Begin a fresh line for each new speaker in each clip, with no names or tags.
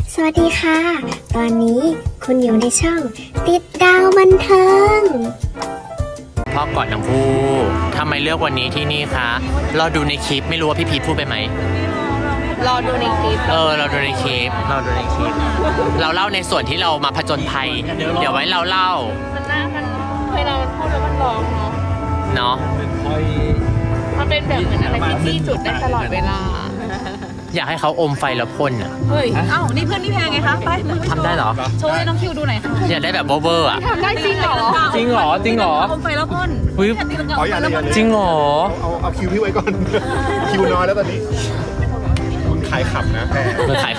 สวัสดีค่ะ ตอนนี้คุณอยู่ในช่องติดดาวบันเทิง
พ่อกอดทั้งคู่ทำไมเลือกวันนี้ที่นี่คะเราดูในคลิปไม่รู้ว่าพี่พีทพูดไปไหม
รอดูในคลิป
เราดูในคลิปเราเล่าในส่วนที่เรามาผจญภัยเดี๋ยวไว้เราเล่า
มันน่ามันเวลามันพูดแล้วมันร้องเนาะมันเป็นแบบเหมือนอะไรที่จี้จุดได้ตลอดเวลา
อยากให้เขาอมไฟแล้วพ่นอ่ะ
เฮ้ยเอ้านี่เพื่อนพี่แพงไงคะไป
ทำได้เหรอ
โชว์ให้น้องคิวดูหน่อยค่ะ
อยากได้แบบเวอร์อ่ะ
ทำได้จริงเหรอ
จริงเหรอ
อมไฟแล้วพ่น
จริงเหรอ
เอาคิวพี่ไว้ก่อนคิวน้อยแล้วตอนนี้คุณขายขำนะ
มึงขาย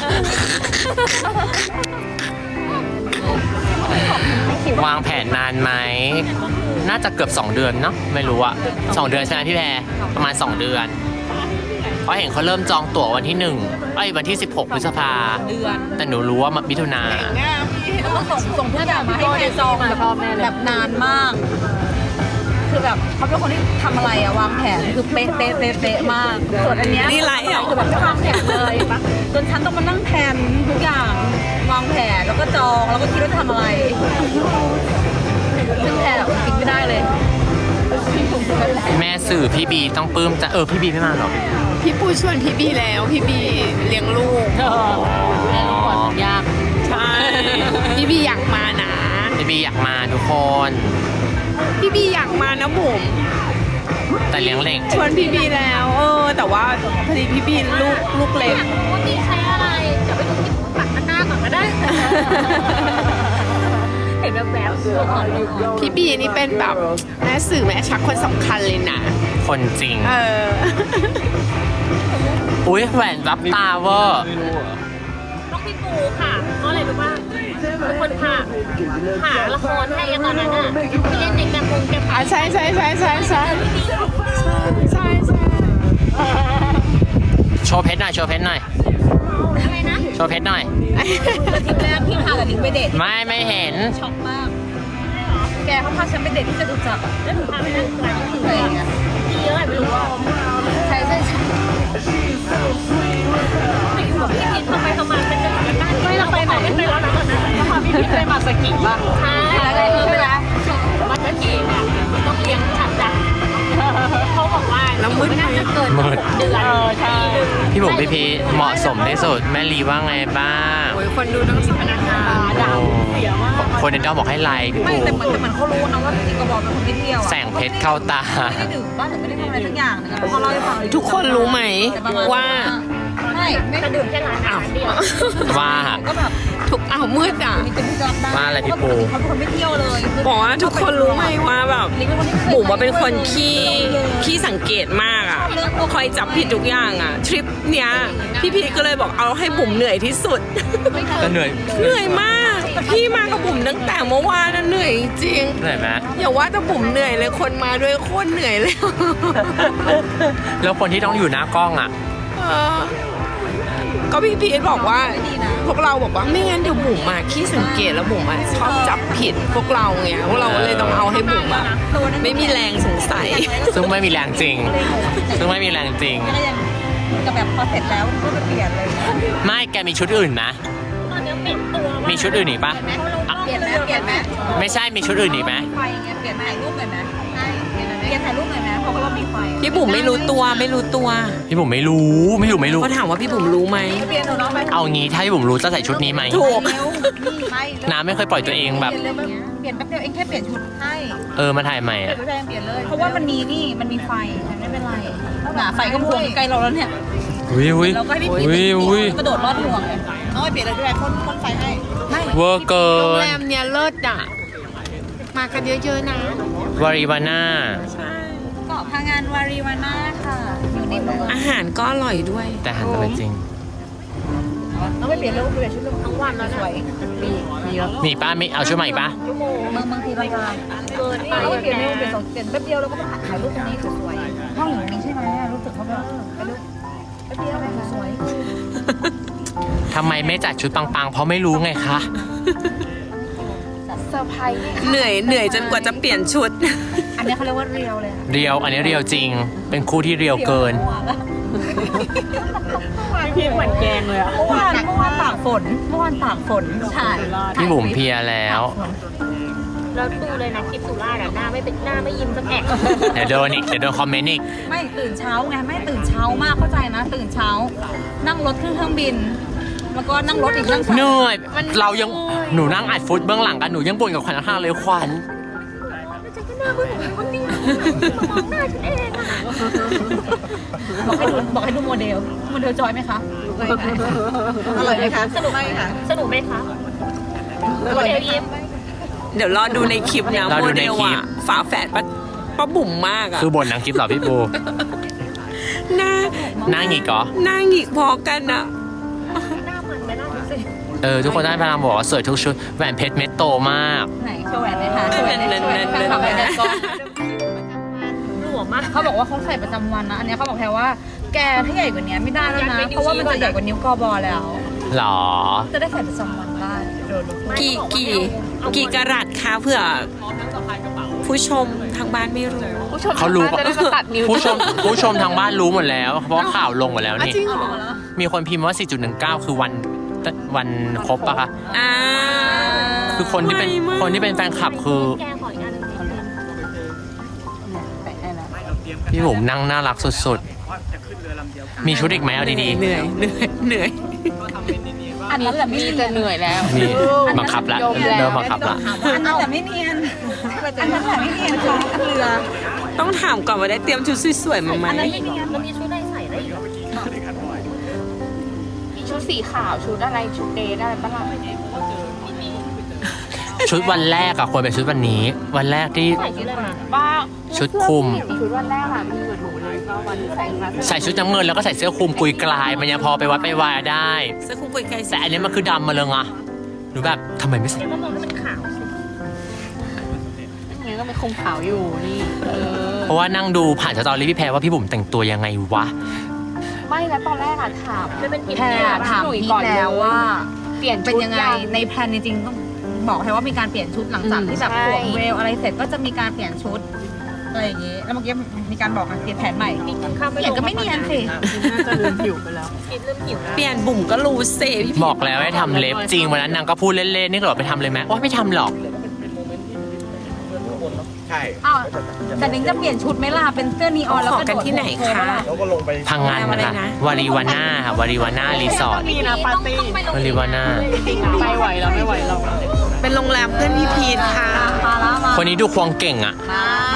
วางแผนนานไหมน่าจะเกือบ2 เดือนเนาะไม่รู้อะ2 เดือนใช่ไหมพี่แพรประมาณ2 เดือนเพราะเห็นเขาเริ่มจองตั๋ววันที่วันที่16 พฤษภาแต่หนูรู้ว่ามิถุนา
ต้องส่งทุกอย่างมาให้แพรจองแบบนานมากคือแบบเขาเป็นคนที่ทำอะไรอะวางแผนคือเป๊ะมากส่วนอันเนี้ย
นี่ไรอ่ะ
คือแบบไม่วางแผนเลยจนฉันต้องมานั่งแผนทุกอย่างวางแผนแล้วก็จองแล้วก็คิดว่าจะทำอะไรซึ่งแผนแบบคิดไม่ได้เลย
แม่สื่อพี่บีต้องปลื้มจะพี่บีไม่มาหรอ
พี่ปูชวนพี่บีแล้วพี่บีเลี้ยงลูก
แม่ลูกปวดยาก
ใช่พี่บีอยากมานะ
พี่บีอยากมาทุกคน
พี่บีอยากมานะบุ๋ม
แต่เลี้ยงเล็ก
ชวนพี่บีแล้วแต่ว่าพอดีพี่บีลูกเล็ก
ว่าบีใช้อะไรเดี๋ยวไปดูที่ปักหน้าก่อนก็ได้เห็นแบบ
พี่บีนี่เป็นแบบแม่สื่อแม่ชักคนสำคัญเลยนะ
คนจริงอุ้ยแหวนรับตาเวอร์
น้องพี่ปูค่ะเพราะอะไรรู้ป่ะคนค่ะหาละครให้ตอนนั้นน่ะที่เล่นเด็กแบบแก
ใช่
โชว์เพชรหน่อย
อะไรนะ
โชว์เพชรหน่อย
ทีแรกพี่พากับลิงไปเดท
ไม่เห็น
ช็อกมากแกเขาพาฉันไปเดทที่จตุจักรแล้วถึงพาไปนั่งร้านที่ไหนอ่ะที่เยอะไม่รู้ว่าใช่ไม่อยู่กับพี่พีททำไมเป็นจะอยู่กันได้ไม่เราไปไหนไม่ไปแล้วนะตอนนั้นเราพาพี่พีทไปมาสกิบ้างใช่แล้วก็เวลามาสกิเนี่ยต้องเลี้ยงฉันจ้ะเขาบอกว่า
แล้วมืด
น่าจะเกิน6 เดือนใช่
พี่บุ๋มพี่พีเหมาะสมที่สุดแม่ลีว่าไงบ้าง
คนดูต้องสัมนา
ดาวเสียมาก
คนในดาวบอกให้ไลค์พี่
บุ๋มแต่เหมือนเขารู้นะว่าพี่กระบอกเป็นคนที่เที่ยว
แสงเพชรเข้าตา
ไม่ได้ดื่มบ้านหรือไม่ได้ทำอะไรทุกอย่างนะพอเราได้ฟัง
ทุกคนรู้ไหมว่า
ไม่กระดื่มแค่ร้านเดียว
ว่า
ก็แบบ
ทุกมืดอ่ะ
ว่าอะไรพี่ปู
เขาเป็นคนไม่เที่ยวเลย
บอกว่าทุกคนรู้ไหมว่าแบบบุ๋มว่าเป็นคนขี้สังเกตมากอ่ะคอยจับผิดทุกอย่างอ่ะทริปเนี้ยพี่พีก็เลยบอกเอาให้บุ๋มเหนื่อยที่สุด
ก็เห
นื่อยมากพี่มากับบุ๋มตั้งแต่เมื่อวานน่ะเหนื่อยจริง
เหนื่อยไหม
อย่าว่าแต่บุ๋มเหนื่อยเลยคนมาด้วยโคตรเหนื่อยเลย
แล้วคนที่ต้องอยู่หน้ากล้องอ่ะ
ก็พี่พีทบอกว่าพวกเราบอกว่าไม่งั้นเดี๋ยวบุ๋มมาขี้สังเกตแล้วบุ๋มชอบจับผิดพวกเราไงพวกเราเลยต้องเอาให้บุ๋มไม่มีแรงสงสัย
ซึ่งไม่มีแรงจริง
กับแบบพอเสร็จแล้วก็ไปเปลี่ยนเลย
ไม่แกมีชุดอื่นไหมมีชุดอื่นอีกปะ
เปลี่ยนไหม
ไม่ใช่มีชุดอื่นอีกไหม
ไฟเงี้ยเปลี่ยนถ่ายรูปหน่อยไหมเปลี่ยนถ่ายรูปหน่อยไหมเพราะว่ามีไฟ
พี่บุ๋มไม่รู้ตัว
พี่บุ๋มไม่รู้
เขาถามว่าพี่บุ๋มรู้ไหม
เอางี้ถ้าพี่บุ๋มรู้จะใส่ชุดนี้ไหม
ถูก
น้ำไม่เคยปล่อยตัวเองแบบ
เปลี่ยนแป๊บเดียวเองแค่เปลี่ยนชุดให้
มาถ่ายใหม่อ่ะ
เปลี่ยนเลยเพราะว่ามันมีไฟไม่เป็นไรไฟก็พวงใกล้เราแล้วเนี่ยเราก็ให้พี่กระโดดลอดห่วงเอาไปเปลี่ยนเลยด้วยพ่นไฟให้
เวอร์เกิน
โรงแรมเนี่ยเลิศอ่ะมากันเยอะๆนะ
วาริวาน่า
เกาะพังงานวาริวาน่าค่ะอยู่ในเมือง
อาหารก็อร่อยด้วย
แต่อาหารก็จริง
ต้องไปเปลี่ยนชุดทั้งวันแล้วสวย
มีป้าไม่เอาชุดใหม่ป้า
บางทีเราเกินไปเราเปลี่ยนแป๊บเดียวเราก็มาถ่ายรูปตรงนี้สวยห้องอย่างนี้ใช่ไหมรู้สึกเขาแบบแป๊บเดียวสวย
ทำไมไม่จัดชุดปังๆเพราะไม่รู้ไงคะ
เซอร์ไพรส์
เหนื่อยจนกว่าจะเปลี่ยนชุด
อันนี้เขาเรียกว่าเรียวเลย
เรียวอันนี้เรียวจริงเป็นคู่ที่เรียวเกิน
พี่เหมือนแกงเลยอ่ะเมื่อวานตากฝนเมื่อวานตากฝนถ่าย
พี่บุ๋มเพลียแล้ว
แล้วดูเลยนะคลิปสุราษฎร์หน้าไม่ยิ้มสักแอะ
เดี๋ยวโดนอีก เดี๋ยวโดนคอมเมนต์อีก
ไม่ตื่นเช้าไงไม่ตื่นเช้ามากเข้าใจนะ ตื่นเช้า นั่งรถขึ้นเครื่องบิน แล้วก็นั่งรถอีกนั่ง
เหนื่อย เรายัง หนูนั่งอัดฟุตเบื้องหลังกัน หนูยังบ่นกับขวัญข้างๆเลยขวัญ
บอกให้ดูโมเดลจอยไหมคะอร่อยไหมคะสนุกไหมคะสนุกไหมคะโมเดลยิ้ม
เดี๋ยวรอดูในคลิปนะ
รอ
โม
ดู
เด
ใน
ล
คลิป
อะฝาแฝดป้าบุ๋มมากอะ
คือบ่นหนังคลิปเหรอพี่ปู
หน้า
นั่งอีกเหรอ
หน้าหงิกพอกันอะ
ทุกคนได้พลังบอกว่าสวยทุกชุด แหวนเพชรเม็ดโตมาก
ไหนโชว์แหวนไหมคะโชว์แหวนไหมทำแหวนไหนก่อนหลวมมากเขาบอกว่าเขาใส่ประจำวันนะอันนี้เขาบอกแค่ว่าแกถ้าใหญ่กว่านี้ไม่ได้แล้วนะเพราะว่ามันจะใหญ่กว่านิ้วกอบอแล้ว
หรอ
จะได้ใส่ประจำวันได้โดน
กี่กะรัตคะเผื่อผู้ชมทางบ้านไม่รู้
เขารู้ปะผู้ชมทางบ้านรู้หมดแล้ว เพราะว่าข่าวลงหมดแล้วนี่ มีคนพิมพ์ว่า 4.19 คือวันครบปะคะ คือคนที่เป็นแฟนคลับคือพี่บุ๋มนั่งน่ารักสุดๆ มีชุดอีกไหมเอาดี
เหนื่อย
อันนั้นแหละมีแต่เหนื่อยแล้ว
ๆมีบังคับละเริ่มบังคับละ
อันนั้นแต่ไม่เนียนอันนั้นแต่ไม่เนียนค่ะอันเรือ
ต้องถามก่อนว่าได้เตรียมชุดสวยๆมาไหม
อันนั้นไม่เนียนมันมีชุดอะไรใส่ได้อีกมีชุดสีขาวชุดอะไรชุดเดทอะไรบ้าง
ชุดวันแรกอะควรเป็นชุดวันนี้ วันแรกที่
ใส่ชุดอะไรมาบ้า
ชุดคลุม
ชุดวันแรกอะมีหนูเลยก็วันที่ใส่มา
ใส่ชุดน้ำเงินแล้วก็ใส่เสื้อคลุมกุยกลาย มันยังพอไปวัดไปวายได้
เสื้อคลุมกุยไกล
แต่อันนี้มันคือดำมาเลยอะหนูแบบทำไมไม่ใส่
ก็มองให้มันขาวสินี่ก็เป็นคงขาวอยู่นี่
เพราะว่านั่งดูผ่านสตอรี่พี่แพรว่าพี่บุ๋มแต่งตัวยังไงวะ
ไม่แล้วตอนแรกอะถามแพรถามพี่แล้วว่าเปลี่ยนเป็นยังไงในแพลนจริงๆต้องบอกให้ว่ามีการเปลี่ยนชุดหลังจากที่แบบสวมเวลอะไรเสร็จก็จะมีการเปลี่ยนชุดอะไรอย่างงี้แล้วเมื่อกี้มีการบอกเปลี่ยนแผนใหม่เปลี่ยนก็ไม่เนียนสิน่าจะลืมผิวไปแล้วเริ่มผิว
เปลี่ยนบุ๋มก็รู้เซพี่
บอกแล้วให้ทำเล็บจริงวันนั้นนางก็พูดเล่นๆนี่ก็บอกไปทำเลยไหมโอ้ไม่ทำหรอก
ใช่
อ้าวแต่นิ้งจะเปลี่ยนชุดไหมล่ะเป็นเสื้อนีออนแล้ว
ขอ
ก็
กันที่ไหนคะ
แล้วก็ลงไป
พังงานนะคะวารีวาน่าค่ะวารีวาน่ารีสอร์ท
มีนะปาร์ตี้
วารีวาน่า
ไปไหวเราไม่ไหวเรา
เป็นโรงแรมเพื่อนพี่พีทค่ะ
มาแล้วมา
คนนี้ดูควงเก่งอ่ะ
มา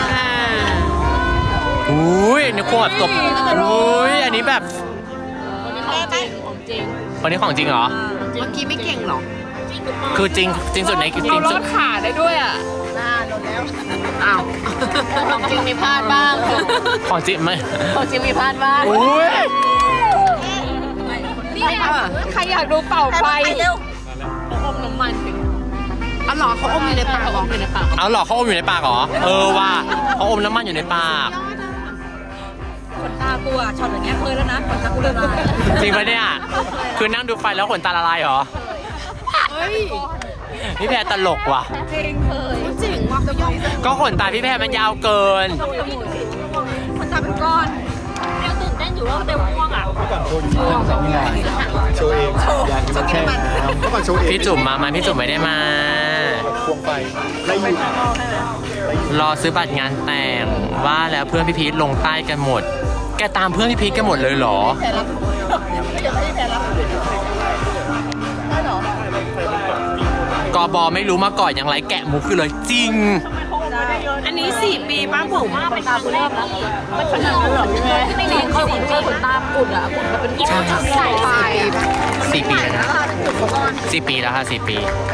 อุ้ยอันนี้ควงแบบตบอุ้ยอันนี้แบบ
ของจริง
คนนี้ของจริงเหรอ
เมื่อกี้ไม่เก่งหรอ
คือจริงสุดในจริงสุด
ขาได้ด้วยอ่ะ
หน้าโดนแล้ว
อ้าว
ของจริงมีพลาดบ้าง
ของจริงไหม
ของจริงมีพลาดบ้าง
อุ้ย
นี่ใครอยากดูเป่าไฟอมน้ำมันสิ
อ๋อเหรอเขาอมอยู่ในปากเหรอ
อยู่ในปาก
เอาหรอเขาอมอยู่ในปากเหรอว่าเขาอมน้ำมันอยู่ในปาก
ขนตากูอะช็อตอย่างเงี้ยเคยแล้วนะขนตากูละลาย
จริงปะเนี่ยคือนั่งดูไฟแล้วขนตาละลายเหรอพี่แพรตลกว่ะ
จริงเคย
จริงว่าเขาย่อม
ก็ขนตาพี่แพรมันยาวเกิน
ขนตาเป็นก้อนยังตื่นเต้นอยู่ว่าเต็มม่วงอ่ะ
โชว์เองอยากจะแช่น้ำก็มาโชว์เอง
พี่จุ๋มมาพี่จุ๋มไม่ได้มา
ควงไฟไล่อยู่
รอซื้อบัตรงานแต่งว่าแล้วเพื่อนพี่พีทลงใต้กันหมด แกตามเพื่อนพี่พีทกันหมดเลยเหรอ กบไม่รู้มาก่อนอย่างไรแกะมุกคือเลยจริง
อันนี้4 ปีป้าบุ๋ม
ขนตากูเริ่มแล้วมันขนาดนั้นเหรอพี่แม่ไม่ดีเขาขนตาปุดอ่ะปุดก็เป็นก้อนใส่ไป
4 ปีแล้วนะ4 ปีแล้วค่ะ4 ปี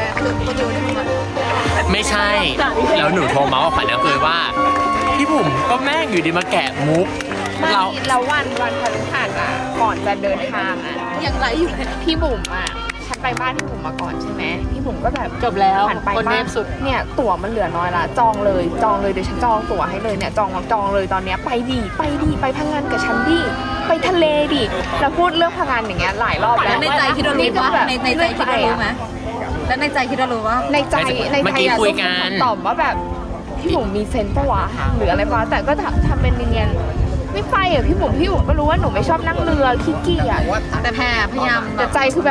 ไม่ใช่ แล้วหนูโทรมาว่าฝันก็คือว่า พี่บุ๋มก็แม่งอยู่ดีมาแกะมุก
เราวันพฤหัสอ่ะก่อนจะเดินทางอ่ะ
ยังไรอยู่เลย
พี่บุ๋มอ่ะฉันไปบ้านพี่บุ๋มมาก่อนใช่ไหมพี่บุ๋มก็แบบ
จบแล้ว
ผ่านไป
คนเน
บ้าน
มสุด
เนี่ยตั๋วมันเหลือน้อยละจองเลยเดี๋ยวฉันจองตั๋วให้เลยเนี่ยจองเลยตอนเนี้ยไปพังงานกับฉันดิไปทะเลดิเราพูดเรื่องพังงานอย่างเงี้ยหลายรอบ
แล้
แล้ว ว
ในใจคิดว่ารู้ว่าในใจคิดว่ารู้ไหมแล้วในใจคิดว่ารู้ว่า
ในใจ
เมื่อกี้
อะ
คุยกัน
ตอบว่าแบบพี่บุ๋มมีเซนส์ปะวะหรืออะไรปะแต่ก็ทำเป็นเนียนๆไม่ไปอ่ะพี่บุ๋มก็รู้ว่าหนูไม่ชอบนั่งเรือขี้เกียจ
แต่แพรพยายาม
แต่ใจคือแบบ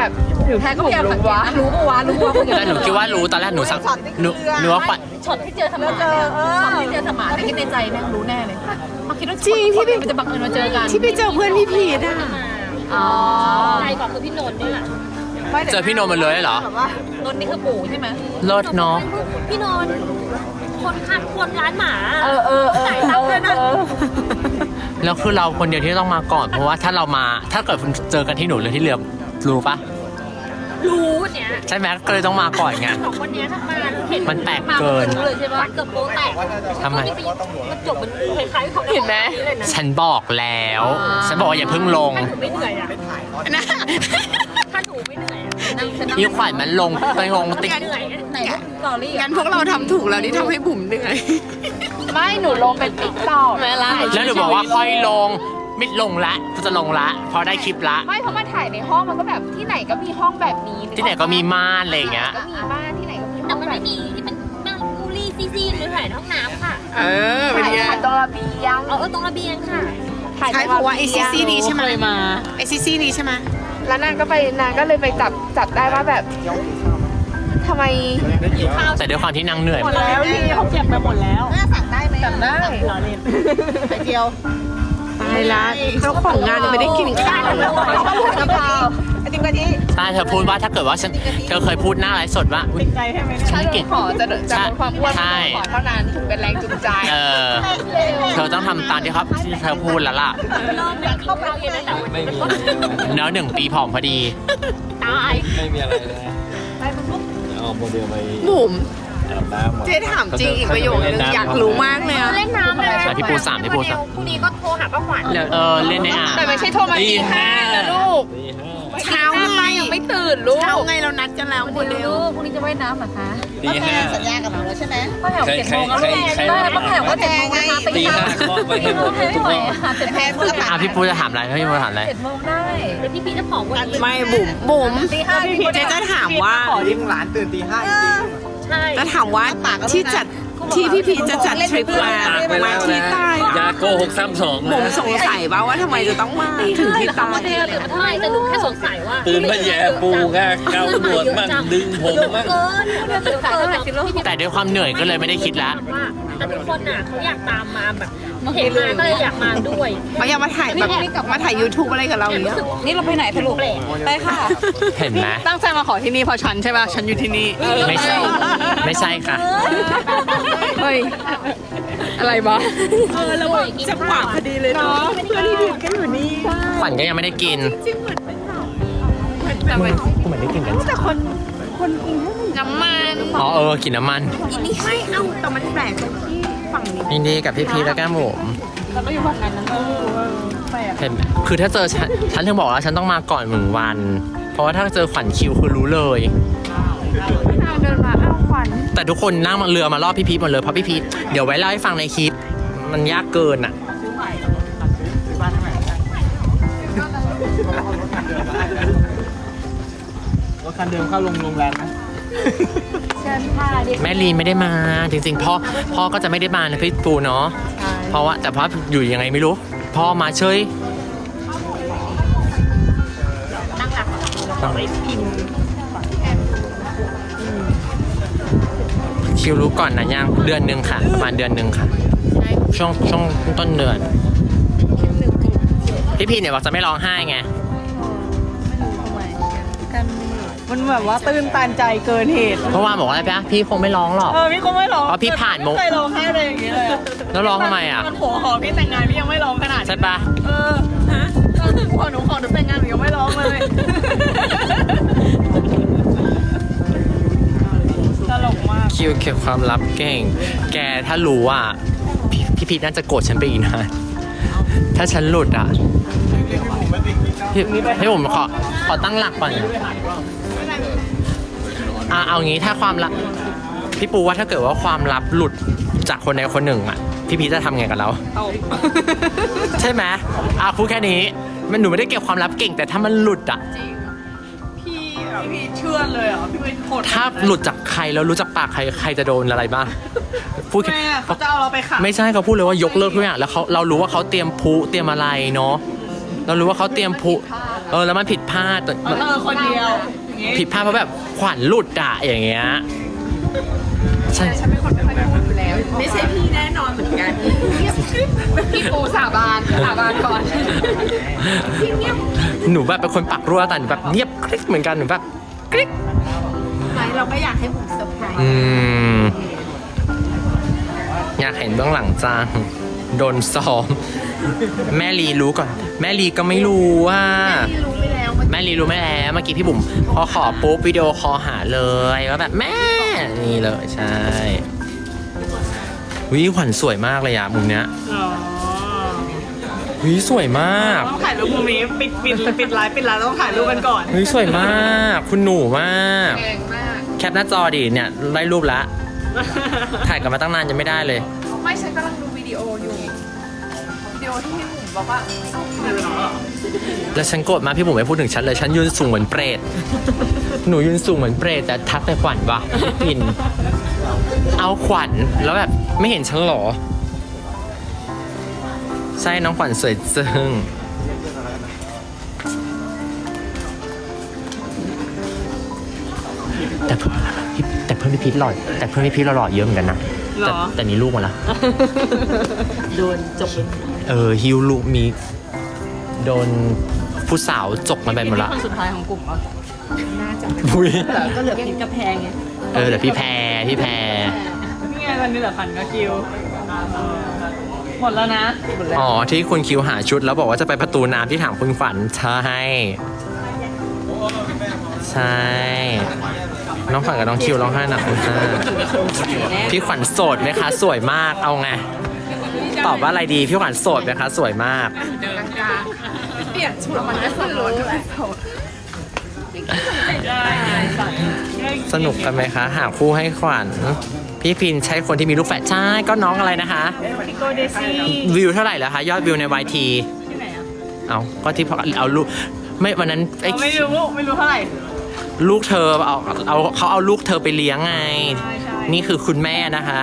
แพ้ก็พยายามสังเกตนะรู้ปะวะคนอื่น
แต่หนูคิดว่ารู้ตอนแรกหนูสักหนูว่าขวัญ
ช็อตที่เจอสมานเนี่ยช็อตที่เจอสมานเนี่ยคิดในใจแม่งรู้แน่เลยมาคิดว่าจริงพี่มันจะบังเอิญมาเจอกัน
ที่ไปเจอเพื่อนพี่พีทอ่ะ
อ๋อใครก่อนคือพี่นนท์เนี่ย
เจอพี่โนมันเลยเหรอ
นนท์นี่คือปู่ใช่ไหม
เลิศเนาะ
พี่นนท์คนขับคนร้านหมาจ่ายตังค์ด้วยนะ
แล้วคือเราคนเดียวที่ต้องมาก่อนเพราะว่าถ้าเรามาถ้าเกิดเจอกันที่หนูหรือที่เรือรู้ปะ
รู้เนี่ย
ใช่ไหมก็เลยต้องมาก่อนไง
สองคนนี้ทำงานเห็น
มันแปลกเกิน
รู้เลยใช่ปะเกือบโป๊แตก
ทำไม
มันจบมันคล้ายๆเขา
เห็นไหม
ฉันบอกแล้ว ฉันบอกว่าอย่าเพิ่งลง
ถ้าหนูไม่เหนื่อยอ่ะถ้าหนูไม่เหนื่อยอ่ะนั่งฉันนั่ง
อีขวัญมันลงไปลงติ๊ก
เหนื่อยไหนสอรี่
งั้นพวกเราทำถูกแล้วที่ทำให้บุ๋มเหนื่อย
ไม่หนูลงเป็นติ๊กต็อก
ไม่ละ
แล้วหนูบอกว่าค่อยลงไม่ลงละกูจะลงละพอได้คลิปละ
ไม่เพราะมาถ่ายในห้องมันก็แบบที่ไหนก็มีห้องแบบนี้
ที่ไหนก็มีม่านอะไรอย่างเงี้ย
ก็มีบ้านที่ไหนก็มีห้
แต่
อง
มัน
แบ
ไม่
บ
มี
นี้
ที่เป็นนั่งกูรี่ซีๆหรือถ่ายในห้องน้ำค่ะ
เออเป็นไง
ถ่ายตรงระเบียง
ตรงระเบียงค่ะ
ถ่ายต
ใช่
ง
เพราะว่า
บี
ไอย
ง
ซีซีนี้ใช่ไหมไอซีซีนี้ใช่ไหม
แล้วนางก็เลยไปจับได้ว่าแบบทำไม
แต่ด้วยความที่นางเหนื่อย
แล้วนี่เขาเก็บไปหมดแล้วสั่งได้ไหมสั่งได้
ไปเที่ยวตายละเจ้าของงานยังไม่ได้กินข้าวเลย
กะเพราไอติมกะทิ
ใช่เธอพูดว่าถ้าเกิดว่าเธอเคยพูดหน้าไลฟ์สดว่าอุ๊ยฉันไม่กิน
ขอจะลดความอ้วน
ใช่
ขอเท่านั้นถึงเป็นแรงจูงใจ
เธอต้องทำตามที่เธอพูดแล้วล่ะ
เริ่มจากเข้าไปเย็นตั้งแต่วันนี้
แล้ว1 ปีผอมพอดี
ตาย
ไม่มีอะไรเลยเอาโมเดลไป
บุ๋ม
อาบน้ำหมด
เจ๊ถามจริงอีกประโยคนึงอยากรู้มากเลยอะ
เล่นน้ำเลย
ใช่พี่ปูสามพี่ปูสาม
พรุ่งนี้ก็โทรหาป้าขวัญ
เล่นในอ่าง
แต่ไม่ใช่โทรมาตี 5นะลูก
ตีห้า
เช้าไง
ยังไม่ตื่นลูก
เช้าไงเรานัดกันแล้วโมเดล
พรุ่งนี้จะว่ายน้ำเหรอคะ
ตีห้า
สัญญากับหนูแล้วใช่ไหมป้าแถว
ใคร
7 โมงแล้ว
ใคร
ป้าแถวว่า7 โมงนะคะ
ตีห้าเคาะไปให้หมดทุกห้อง
7 โมงเพื่อ
พี่ปูจะถามอะไรพี่ปูถามอะไร
7 โมงได้เดี๋ยวพี่จะผอมกว่านี้
ไม่บุ๋มเจ๊จะถามว่า
หลานตื่นตี 5จริง
ใช่
จะถามว่าที่พี่พีจะจัดทริปมาที่ใต้
ยาโกหกซ้ำสอง
บุ๋มสงสัยว่าทำไมจะต้องมาถึงที่ใต้
เดี๋ยวตื่นมาเท่าไหร่แต่หนูแค่สงสัยว่า
ตื่นมาแย่ปูค่ะเกาหนวดมั่งดึงผมมั่ง
เกิน
แต่ด้วยความเหนื่อยก็เลยไม่ได้คิดละ
แต่ทุกคนน่ะเขาอยากตามมาแบบเห็นมาก็เลยอยากมาด้วย
มาอยากมาถ่ายแบบมาถ่าย YouTube อะไรกับเราอย่างเงี้ย
นี่เราไปไหนสรุปไปค่ะ
เห็นไหม
ตั้งใจมาขอที่นี่เพราะฉันใช่ป่ะ ฉันอยู่ที่นี่
ไม่ใช่ไม่ใช่ค่ะ
เฮ้ย อะไรบ้าแล้วจะขวางพอดีเลยเนาะเพื่อนที่ดื่มกันอยู่นี่
ขวัญก็ยังไม่ได้กิน
แต่
กูเหมือนได้กินกัน
น้ำมัน
กินน้ำมัน
ไม่เอาแต่มันแปลกตรงที่ฝั่งนี้
ยินดีกับพี่พีและแก้มหมูแล้วก็อยู่ฝั่งนั้นเห็นไหมคือถ้าเจอฉันถึงบอกแล้วฉันต้องมาก่อน1 วัน เพราะว่าถ้าเจอขวัญคิวคือรู้เลย
ทางเดินมาอ้าวขวัญ
แต่ทุกคนนั่งเรือมารอบพี่พีทหมดเลยเพราะพี่พีทเดี๋ยวไว้เล่าให้ฟังในคลิป มันยากเกินอ่ะ
รถคันเดิมเข้าโรงแรมนะ
แม่ลีไม่ได้มาจริงๆพ่อก็จะไม่ได้มานะพี่ปูเนาะเพราะว่าแต่พ่ออยู่ยังไงไม่รู้พ่อมาเฉยคิวรู้ก่อนนะยังเดือนหนึ่งค่ะประมาณเดือนหนึ่งค่ะช่วงต้นเดือนพี่พีเนี่ยบอกจะไม่ร้องไห้ไง
มันแบบว่าตื้นตันใจเกินเหตุ
เพราะว่าบอกว่าอะไรพี่คงไม่ร้องหรอก
พี่คงไม่ร้อง
เพราะพี่ผ่านมุก
ไม่เคยร้องไห้เลยอย่างนี้เลยอะ
แล้วร้องทำไมอ่ะ
มันหัวขอพี่แต่งงานพี่ยังไม่ร้องขนาดนี้
ใช่ปะ
พอหนูขอหนูแต่งงานหนูยังไม่ร้องเลยตลกมาก
คิวเก็บความลับเก่ง แกถ้ารู้อ่ะพี่พีทน่าจะโกรธฉันไปอีกนะถ้าฉันหลุดอ่ะพี่ผมขอตั้งหลักก่อนเอางี้ถ้าความลับพี่ปูว่าถ้าเกิดว่าความลับหลุดจากคนใดคนหนึ่งอ่ะพี่พีทจะทำไงกับเราใช่ไหมพูดแค่นี้มันหนูไม่ได้เก็บความลับเก่งแต่ถ้ามันหลุดอ่ะ
พี่เชื่อเลยเหรอพี่ไม่โหด
ถ้าหลุดจากใครแล้วรู้จากปากใครจะโดนอะไรบ้างพูด
แม่เขาจะเอาเราไปขัง
ไม่ใช่เขาพูดเลยว่ายกเลิกทุกอย่างแล้วเรารู้ว่าเขาเตรียมพลุเตรียมอะไรเนาะเรารู้ว่าเขาเตรียมพลุแล้วมันผิดพลาด
คนเดียว
ผิดพลาดเพราะแบบขวัญหลุดอะอย่างเงี้ยฉัน
ฉันเป็นคนไม่ค่อยพูดอยู่แล้ว ไม่ใช่พี่แน่นอนเหมือนกันพี่ปูสาบานก่อน
หนูแบบเป็นคนปากรั่วแต่หนูแบบเงียบกริ๊กเหมือนกันหนูแบบกริ๊ก
ไม่เราก็อยากให้ผมเซอร์ไพรส์
อยากเห็นเบื้องหลังจังโดนซ้อมแม่ลีรู้ก่อน แม่ลีก็ไม่รู้ว่า
รู้ไปแล้ว
แม่ลีรู้ไม่แล้วเมื่อกี้พี่บุ๋มพอขอปุ๊บวิดีโอคอลหาเลยว่าแบบแม่นี่เลยใช่วิขวัญสวยมากเลยอะมุมเนี้ยวิสวยมาก
ต้องถ่ายรูปมุมนี้ปิดไลฟ์ต้องถ่ายรูปกันก่อน
วิสวยมาก คุณหนูมาก
แรงมาก
แคปหน้าจอดิเนี่ยได้รูปละถ่ายกันมาตั้งนานยังไม่ได้เลย
ไม่ฉันกำลังดูวิดีโออยู่วิดีโอที่พี่หนุ่มบอกว่า
แล้วฉันโกรธมากพี่บุ๋มไม่พูดถึงฉันเลยฉันยืนสูงเหมือนเปรตหนูยืนสูงเหมือนเปรตแต่ทักไปขวัญวะปินเอาขวัญแล้วแบบไม่เห็นฉันหรอใช่น้องขวัญสวยจึงแต่เพื่อนพี่พีทหล่อแต่เพื่อนพี่พีทหล่อเยอะเหมือนกันนะแต่นี่ลูกมาละโดนจกฮิวลูกมีโดนผู้สาวจกมาแบบหมดละ
คนสุดท้ายของกลุ่มปะ
อุ้ย
ก็เหลือพิมกับแพงไง
เดี๋ยวพี่แพร
นี่ไงวันนี้เหลือพันก็คิวหมดแล้วนะ
อ๋อที่คุณคิวหาชุดแล้วบอกว่าจะไปประตูน้ำที่ถามคุณขวัญใช่ใช่น้องขวัญกับน้องคิวร้องไห้หนักคุณค่ะพี่ขวัญโสดไหมคะสวยมากเอาไงตอบว่าอะไรดีพี่ขวัญโสดไหมคะสวยมาก
เปลี่ยนชุดมันก็สนุกเลย
สนุกกันไหมคะหาคู่ให้ขวัญพี่พินใช้คนที่มีลูกแฝดใช่ก็น้องอะไรนะคะ
พิโกเดซี่
วิวเท่าไหร่แล้วคะยอดวิวใน YT
ที่ไหนอ่ะ
เอาก็ที่พอเอาลูกไม่วันนั้นไอ้
ไม่รู้เท่าไหร่
ลูกเธอเขาเอาลูกเธอไปเลี้ยงไง นี่คือคุณแม่นะคะ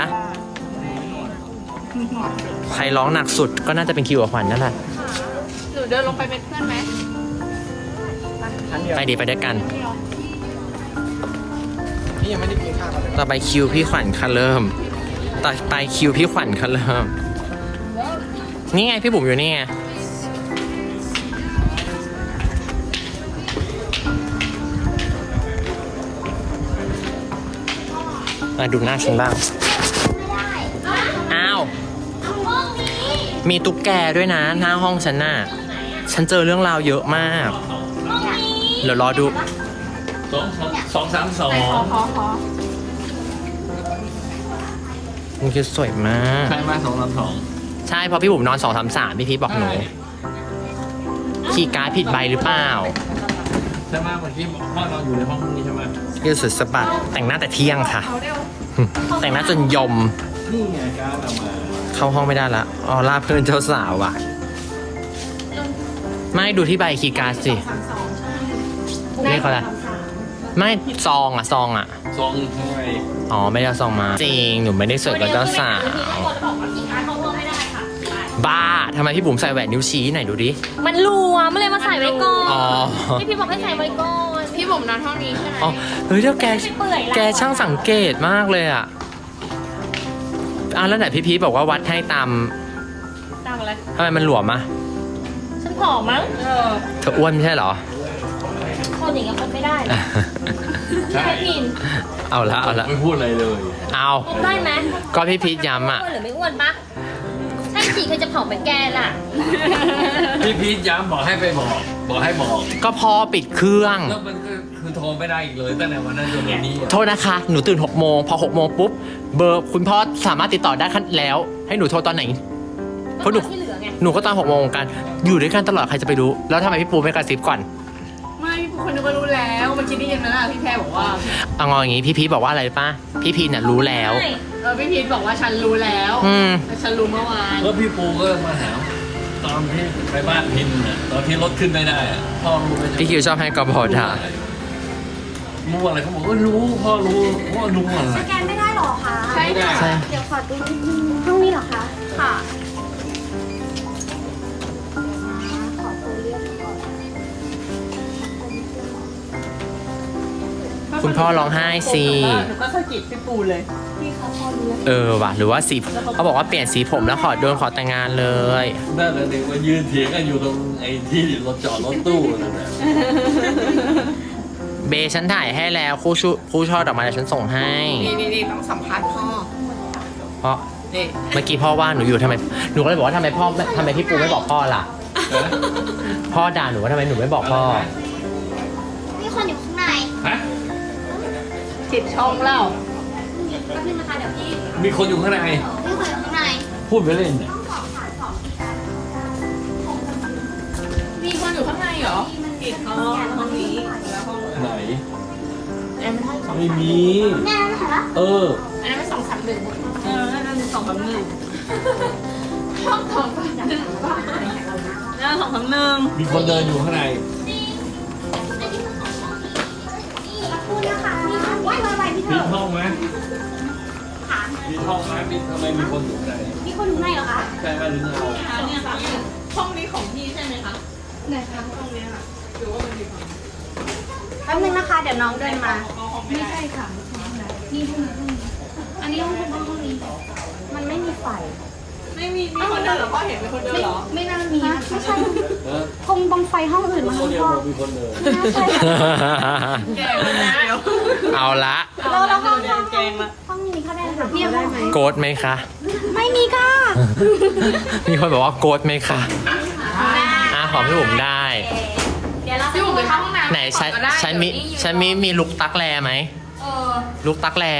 ใครร้องหนักสุดก็น่าจะเป็นคิวกับขวัญนั่นแหละ
หนูเดินลงไปเป็นเพื่อนไหม
ไปดีไปด้วยกัน
นี่ยังไม่ได้กินข้าวเลย
ต่อไปคิวพี่ขวัญค่ะเริ่ม ต่อไปคิวพี่ขวัญค่ะเริ่ม นี่ไงพี่บุ๋มอยู่นี่ไงมาดูหน้าฉันบ้าง อ้าว มีตุ๊กแกด้วยนะหน้าห้องฉันน่ะ ฉันเจอเรื่องราวเยอะมาก เดี๋ยวรอดู มันคือสวยมาก
ใช่ไหม232
ใช่เพราะพี่บุ๋มนอน 2-3-3 พี่พีชบอกหนู คีย์การ์ดผิดใบหรือเปล่า
ใช่ไหมเมื่อกี้พ่อนอนอยู่ในห้องนี้ใช่ไหม
ยืดสุดสะบัดแต่งหน้าแต่เที่ยงค่ะ แต่งหน้าจนยม
นี่ไงการเอามา
เข้าห้องไม่ได้ละออล่าเพื่อนเจ้าสาวอ่ะ ไม่ดูที่ใบคีย์การ์ดสิเลขอะไรไม่ซองอ่ะ
ซองข้างใน
อ๋อไม่ได้เอาซองมา จริง หนูไม่ได้สวยกับเจ้าสาว บ้าทำไมพี่บุ๋มใส่แหวนนิ้วชี้ไหนดูดิ
มันรัวมันเลยมาใส่ไว้ก่อน
อ๋อ
พี่บอกให้ใส่ไว้ก่อน
พี่บุ๋มนอนห้องนี้ใช่ไหม
อ๋อเฮ้ยเดี๋ยวแกช่างสังเกตมากเลยอ่ะแล้วไหนพี่พีชบอกว่าวัดให้ตาม
ตามอะไร
ทำไมมันหลวมอ่ะ
ฉันผอมมั้ง
เธออ้วนไม่ใช่เหรอ
คนอย่างเงี้ยคนไม่ได้หรอก
ใช่
ใช่พิน
เอาละ
ไม่พูดอะไรเลย
เอา
ได้ไหม
ก็พี่พีชย้ำอ่ะ
อ้วนหรือไม่อ้วนปะใช่สิเคยจะผอมเหมือนแกล่ะ
พี่พีทย้ำบอกให้ไปบอกให้บอก
ก็พอปิดเครื่อง
แล้วมันก็คือโทรไม่ได้อีกเลยตั้งแต่วันนั้นจนวันนี้อะ
โทษนะคะ หนูตื่น6 โมง พอ6 โมงปุ๊บ เบอร์คุณพ่อสามารถติดต่อได้แล้ว ให้หนูโทรตอนไหน เพราะหนู
ที่เหลือไง
หนูก็ตอน6 โมงกัน อยู่ด้วยกันตลอดใครจะไปรู้ แล้วทำไมพี่ปูไม่กระซิบก่อน
ไม่พี่คนนึกว่ารู้แล้วเมื่อกี้ได้ยินไหมล่ะพี่แพรบอกว่า
เอางออย่างงี้พี่พีชบอกว่าอะไรป่ะ พี่พีชน่ะรู้แล้ว
ใช่
พี่พีทบอกว่าฉันรู้แล้ว
อืม
แต่ฉันรู้เมื่อวาน
แล้วพี่ปูก็มาหาตอนที่ไปบ้านพินน่ะตอนที่รถขึ้นไม่ได้อะพ่อรู้ไหม
พี่คิวชอบให้กบฏด่า
รู้อะไรเขาบอกว่ารู้พ่อรู้ว่ารู้อะไร
สแกนไม่ได้หรอคะ
ใช่ค่ะ
ใช่
เดี๋ยวขอดูนิดนึงห้องนี้เหรอคะ
ค่ะ
ขอตัวเลือกก่อน
คุณพ่อร้องไห้สิ
หนูก็สะกิดพี่ปูเลย
ว่ะหรือว่าสีเขาบอกว่าเปลี่ยนสีผมแล้วขอแต่งงานเลย
นั่นแหละเด็กมายืนเถียงกันอยู่ตรงไอ้ที่รถจอดรถตู้นั่นแหละ
เบฉันถ่ายให้แล้วคู่ช่อดอกไม้เดี๋ยวฉันส่งให้
นี่ต้องสัมภาษณ์พ่อ
เพราะ
นี่
เมื่อกี้พ่อว่าหนูอยู่ทำไมหนูก็เลยบอกว่าทำไมพี่ปูไม่บอกพ่อล่ะ พ่อด่าหนูว่าทำไมหนูไม่บอกพ่อ
มีคนอยู่ข้างใน
ฮะ
จิตช่องเล่า
แป๊บนึงนะคะเดี๋ยวพี่
มีคนอยู่ข้างใน
มีคนอยู่ข้างใน
พูดไปเล่นเนี่ย
มีคนอยู่ข้างในเหรออีกห้องนี้แล้วห้อง
ไหน
แอมห้องสอง
ไม่มี
แน่นะคะ
เออ
อันนั้นเป็น2-3-1
นั่น2-1
ห้อง2-3-1
นั่น2-1
มีคนเดินอยู่ข้างใน
พูดนะคะว่ายมาอะไรพี่เธ
มี
อ
ห้องไหมมีห้องไหมมีทำไมมีคนอยู่ข้างใน
มีคนอยู่ในเหรอคะ
ใช่ไหมหรือเรา
เนี่ยค่ะห้องนี้ของพี่ใช่ไหมคะ
แป๊บนึงนะคะ เดี๋ยวน้องเดินมาไม่ใช่ค่ะนี่ห้องนี้อันนี้ห้องนี้มันไม่มีไฟ
ไม่มีคนเดินเหรอพ่อเห็นเป็นคนเดินเหรอ
ไม่น่ามีนะไม่ใช่
เออ
คงตรงไฟห้องอื่น
ค
มั้
น
ง
เดียว
พ่อ
มีคนเดิน
น่าใช่ค่ะ
แกมันนะเดี๋ยว
เอาละ
แล้วห้อง
แกงละ
ห้องนี้เขาได้ค่ะพี่ได้ไหม
โกรธไหมคะ
ไม่มีค่ะ
มีคนบอกว่าโกรธไหมคะขอพี่บุ๋มได้
เดี๋ยวเรา
พี่บุ๋มไปเข้าห้องน้ำ
ไหนฉันมีลุกตักแลไหมลุกตักแล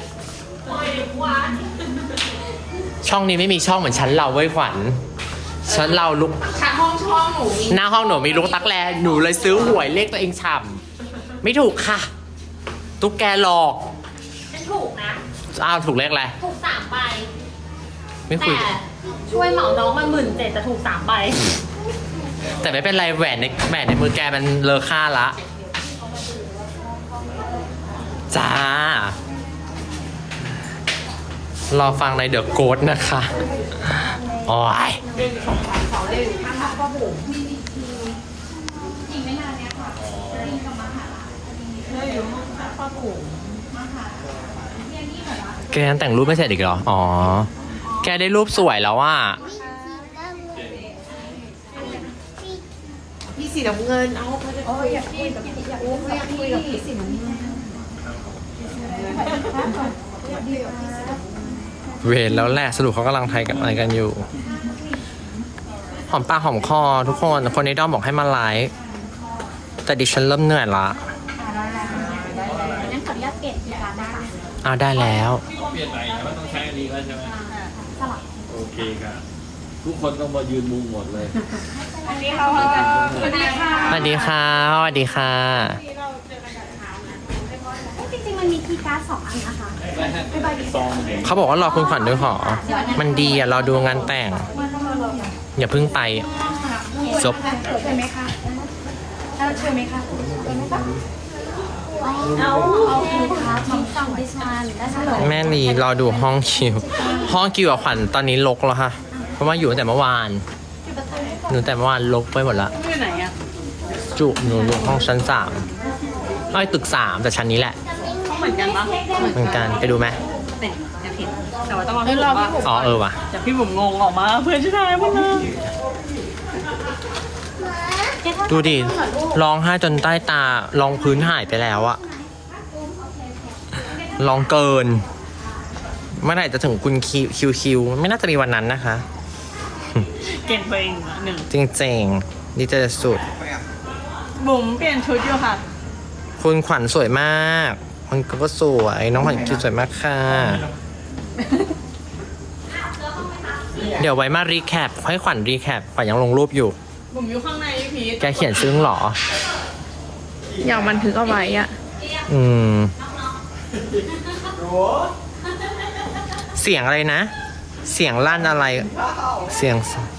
ช่องนี้ไม่มีช่องเหมือนชั้นเราเว้ยขวัญชั้นเราลุก
ชั้นห้องหนูมี
หน้าห้องหนูมีลุกตักแลหนูเลยซื้อหวยเลขตัวเองฉ่ำไม่ถูกค่ะ ตุ๊กแกหลอก
เป็นถูกนะ
อ้าวถูกเลขอะไร
ถูก3 ใบ
ไม่คุย
แต่ช่วยเหมาน้องมา17,000แต่ถูก3 ใบ
แต่ไม่เป็นไรแหวนในมือแกมันเลอค่าละจ้ารอฟังในเดอะโกดนะคะโอ้ยแกยังแต่งรูปไม่เสร็จอีกเหรอ อ๋อ แกได้รูปสวยแล้วว่า
พี่สีน้ำเงินเอาอยากคุยกับพี่สีน้ำเงิน
เวรแล้วแหละสรุปเขากำลังไทยกับอะไรกันอยู่ หอมปากหอมคอทุกคนในด้อมบอกให้มาไลฟ์แต่ดิฉันเริ่มเหนื่อยละ
งั้นขออนุญาตเปลี่ยนที่ร้านนะคะ
ได้แล้ว
เปลี่ยนใหม่แต่ว่าต้องใช้อันนี้แล้วใช่ไหมโอเคครับทุกคนต้องมายืนมุงหมดเลย
สวัสดีค่ะ
สวัสดีค่ะสวัสดีค่ะ
จริงๆมันมีคีย์การ์ด2 อันนะคะ
ซองเด็ก
เขาบอกว่ารอคุณขวัญด้วยหรอ มันดีอ่ะรอดูงานแต่ง อย่าเพิ่งไปจบ
เชิญไหมคะเชิญไหมคะเอาโอเคครับน้องฟัง this one ได้เฉลย
แม่ลีรอดูห้องคิว ห้องคิวกับขวัญตอนนี้ลกแล้วค่ะ เพราะว่าอยู่ตั้งแต่เมื่อวานหนูแต่เมื่อวานลกไปหมดละ
อยู่ไหนอ่ะ
จุหนูอยู่ห้องชั้น3อ้อยตึก3แต่ชั้นนี้แหละ
เขาเหมือนกันปะ
เหมือนกันไปดูไหม
เนี่ยอยากเห็นแต่ว่าต้องรอพี่บุ๋มว่า
อ๋อว่ะ
แต่พี่บุ๋มงงออกมาเพื่อนชายหมดเลย
ดูดิร้องไห้จนใต้ตารองพื้นหายไปแล้วอะร้องเกิน เมื่อไหร่จะถึงคุณคิวไม่น่าจะมีวันนั้นนะคะ
เก่งตัวเองละหนึ่ง
จริงๆดีใจสุด
บุ๋มเปลี่ยนชุดอยู่ค่ะ
คุณขวัญสวยมากมันก็สวยน้องขวัญคิวสวยมากค่ะ เดี๋ยวไว้มารีแคปให้ขวัญรีแคปขวัญยังลงรูปอยู่
บุ๋มอยู่ข้างในพี่พีท
แกเขียนซึ้งเหรอ
อยากบันทึกเอาไว้อะ
อืม เสียงอะไรนะ เสียงลั่นอะไร เสียง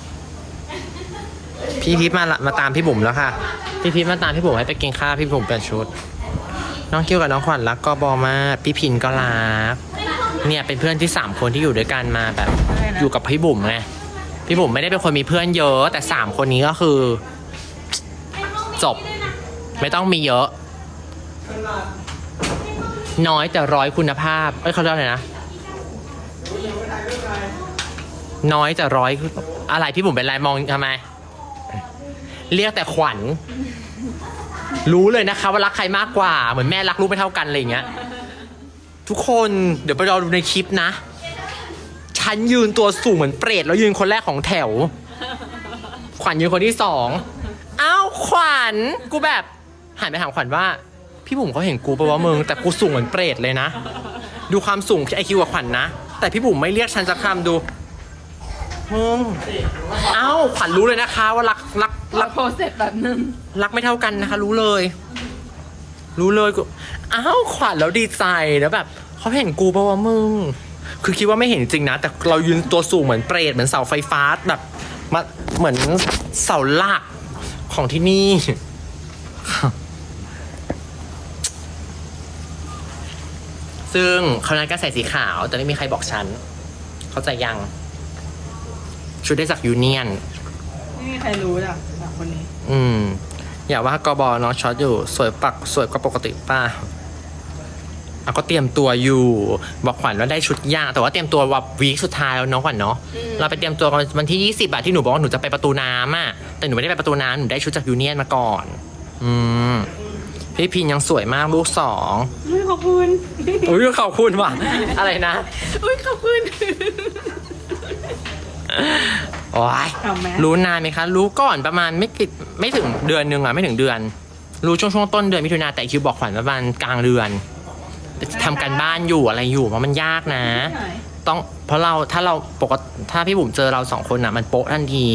พี่พีทมาตามพี่บุ๋มแล้วค่ะ พี่พีทมาตามพี่บุ๋มให้ไปกินข้าวพี่บุ๋มเปลี่ยนชุด น้องคิวกับน้องขวัญรักก็บอมากพี่พินก็รัก เนี่ยเป็นเพื่อนที่3คนที่อยู่ด้วยกันมาแบบ อยู่กับพี่บุ๋มไง พี่บุ๋มไม่ได้เป็นคนมีเพื่อนเยอะ แต่3คนนี้ก็คือ จบ ไม่ต้องมีเยอะน้อยแต่ร้อยคุณภาพเขาเรียกอะไรนะน้อยแต่ร้อยอะไรพี่บุ๋มเป็นไรมองทำไมเรียกแต่ขวัญรู้เลยนะคะว่ารักใครมากกว่าเหมือนแม่รักลูกไม่เท่ากันอะไรอย่างเงี้ยทุกคนเดี๋ยวไปรอดูในคลิปนะฉันยืนตัวสูงเหมือนเปรตแล้วยืนคนแรกของแถวขวัญยืนคนที่2อ้าวขวัญกูแบบหันไปถามขวัญว่าพี่บุ๋มเขาเห็นกูปะวะมึงแต่กูสูงเหมือนเปรตเลยนะดูความสูงไอคิวกับขวัญนะแต่พี่บุ๋มไม่เรียกฉันสักคำดูเอ้าขวัญรู้เลยนะคะว่ารัก
โพสเสร็จแบบนึง
รักไม่เท่ากันนะคะรู้เลยกูอ้าวขวัญแล้วดีใจแล้วแบบเขาเห็นกูปะวะมึงคือคิดว่าไม่เห็นจริงนะแต่เรายืนตัวสูงเหมือนเปรตเหมือนเสาไฟฟ้าแบบมาเหมือนเสาหลักของที่นี่ซึ่งเขานัดก็ใส่สีขาวแต่ไม่มีใครบอกฉันเข้าใจยังชุดได้จากยูเนียน
ไม่มีใครรู้จ้ะคนนี้
อย่าว่ากบน้องช็อตอยู่สวยกว่าปกติป่ะก็เตรียมตัวอยู่บอกขวัญว่าได้ชุดยากแต่ว่าเตรียมตัวแบบวีคสุดท้ายแล้วน้องขวัญเนาะเราไปเตรียมตัววันที่20ที่หนูบอกว่าหนูจะไปประตูน้ำอ่ะแต่หนูไม่ได้ไปประตูน้ำหนูได้ชุดจากยูเนียนมาก่อนพี่พินยังสวยมากลูก2
ขอบคุณ
ขอบคุณว่ะอะไรนะ
ขอบคุณ
โอ้ยรู้นานไหมคะรู้ก่อนประมาณไม่ถึงเดือนนึงอ่ะไม่ถึงเดือนรู้ช่วงต้นเดือนมิถุนาแต่คิวบอกขวัญประมาณกลางเดือนทำการบ้านอยู่อะไรอยู่เพราะมันยากนะต้องเพราะถ้าพี่บุ๋มเจอเรา2คนอ่ะมันโป๊ะทันที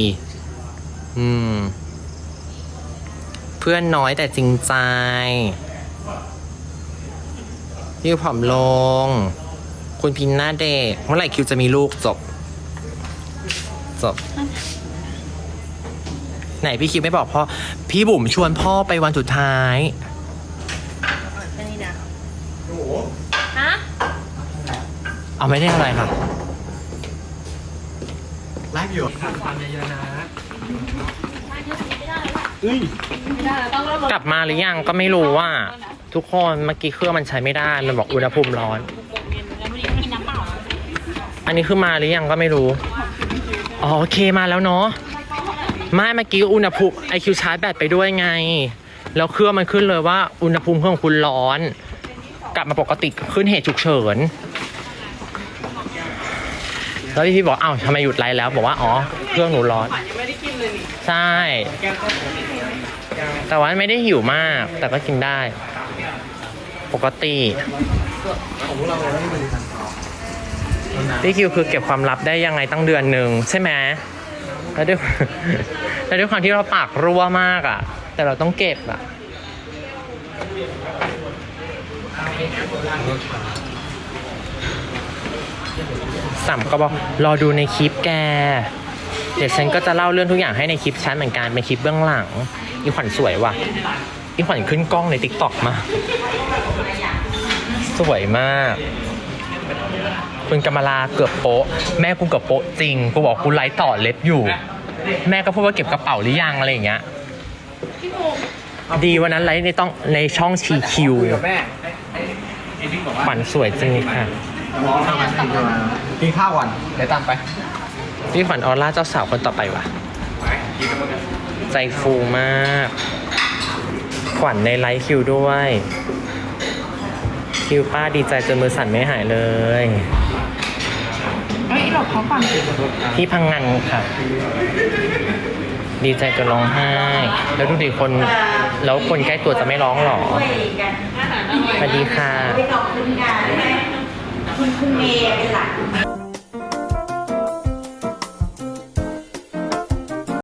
เพื่อนน้อยแต่จริงใจคิวผอมลงคุณพินหน้าเด็กเมื่อไหร่คิวจะมีลูกจบไหนพี่คิวไม่บอกพ่อพี่บุ๋มชวนพ่อไปวันสุดท้ายเอาไม่ได้อะไรค่ะไลฟ์อยู่ความเยอะๆนะกลับมาหรือยังก็ไม่รู้ว่าทุกคนเมื่อกี้เครื่องมันใช้ไม่ได้มันบอกอุณหภูมิร้อนอันนี้คือมาหรือยังก็ไม่รู้โอเคมาแล้วเนาะไม่เมื่อกี้อุณหภูมิไอคิวชาร์จแบตไปด้วยไงแล้วเครื่องมันขึ้นเลยว่าอุณหภูมิเครื่องคุณร้อนกลับมาปกติขึ้นเหตุฉุกเฉินแล้วพี่บอกอ้าวทำไมหยุดไลฟ์แล้วบอกว่าอ๋อเครื่องหนูร้อนใช่แต่ว่าไม่ได้หิวมากแต่ก็กินได้ปกติพี่คิวคือเก็บความลับได้ยังไงตั้งเดือนหนึ่งใช่ไหมแล้วด้วยความที่เราปากรั่วมากอ่ะแต่เราต้องเก็บอ่ะสัมก็บอกรอดูในคลิปแกเดี๋ยวฉันก็จะเล่าเรื่องทุกอย่างให้ในคลิปฉันเหมือนกันเป็นคลิปเบื้องหลังอีขวัญสวยว่ะอีขวัญขึ้นกล้องใน TikTok มาสวยมากคุณกำมลาเกือบโป๊ะแม่กูเกือบโป๊ะจริงกูบอกกูไลฟ์ต่อเล็บอยู่แม่ก็พูดว่าเก็บกระเป๋าหรือยังอะไรอย่างเงี้ยดีวันนั้นไลฟ์ในช่องชีคิวขวัญสวยจริงค่ะ
กินข้าวก่อนเดี๋ยวตามไป
พี่ขวัญออร่าเจ้าสาวคนต่อไปว่ะใจฟูมากขวัญในไลฟ์คิวด้วยคิวป้าดีใจจนมือสั่นไม่หายเลย
หลบเขาก่อน
ที่พังงานค่ะดีใจจนร้องไห้แล้วดูดิคนแล้วคนใกล้ตัวจะไม่ร้องหรอสวัสดีค่ะคุณเมย์เป็นหลัก